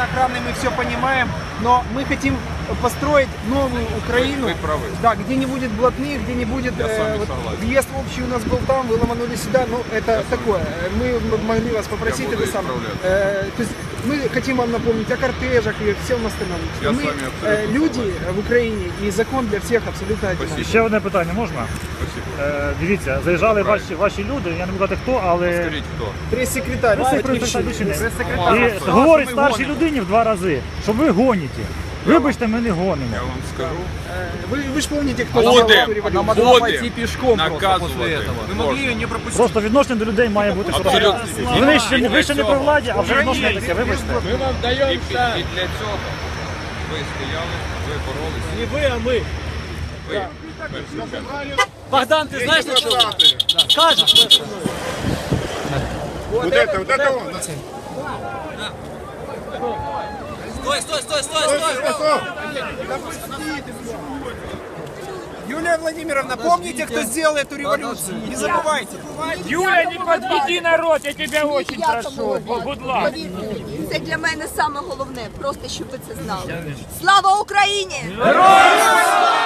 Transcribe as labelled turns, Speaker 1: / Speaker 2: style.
Speaker 1: равноправный, мы все понимаем, но мы хотим построить новую Украину, да, где не будет блатных, где не будет въезд общий у нас был там, вы ломанули сюда, ну это такое. Мы могли вас попросить это самое. То есть мы хотим вам напомнить о кортежах и всем остальном. Мы люди в Україні і закон для всіх абсолютно один.
Speaker 2: Ще одне питання можна? Дивіться, заїжджали ваші люди, я не буду казати хто, але...
Speaker 1: Скажіть хто? Прес-секретар.
Speaker 2: І говорить старшій людині в 2 рази, що ви гоніте. Вибачте, ми не гонимо.
Speaker 3: Я вам скажу.
Speaker 1: Ви ж пам'ятаєте, хто
Speaker 3: Будем
Speaker 1: пішком
Speaker 3: наказувати.
Speaker 2: Просто відношення до людей має бути хороше. Ви ще не при владі, а вже відношення таке, вибачте.
Speaker 3: Ми вам даємо і для цього ви стояли, ви боролися.
Speaker 4: Не ви, а ми.
Speaker 3: Ви.
Speaker 4: Богдан, ти знаєш, що скажеш?
Speaker 5: Вот это он.
Speaker 4: Стой!
Speaker 1: Юлия Владимировна, помните, кто сделал эту революцию? Не забывайте.
Speaker 6: Юля, не подведи народ, я тебя очень прошу. Будь ласка.
Speaker 7: Це для мене саме головне, просто щоб ви це знали. Слава Україні!
Speaker 6: Героям слава!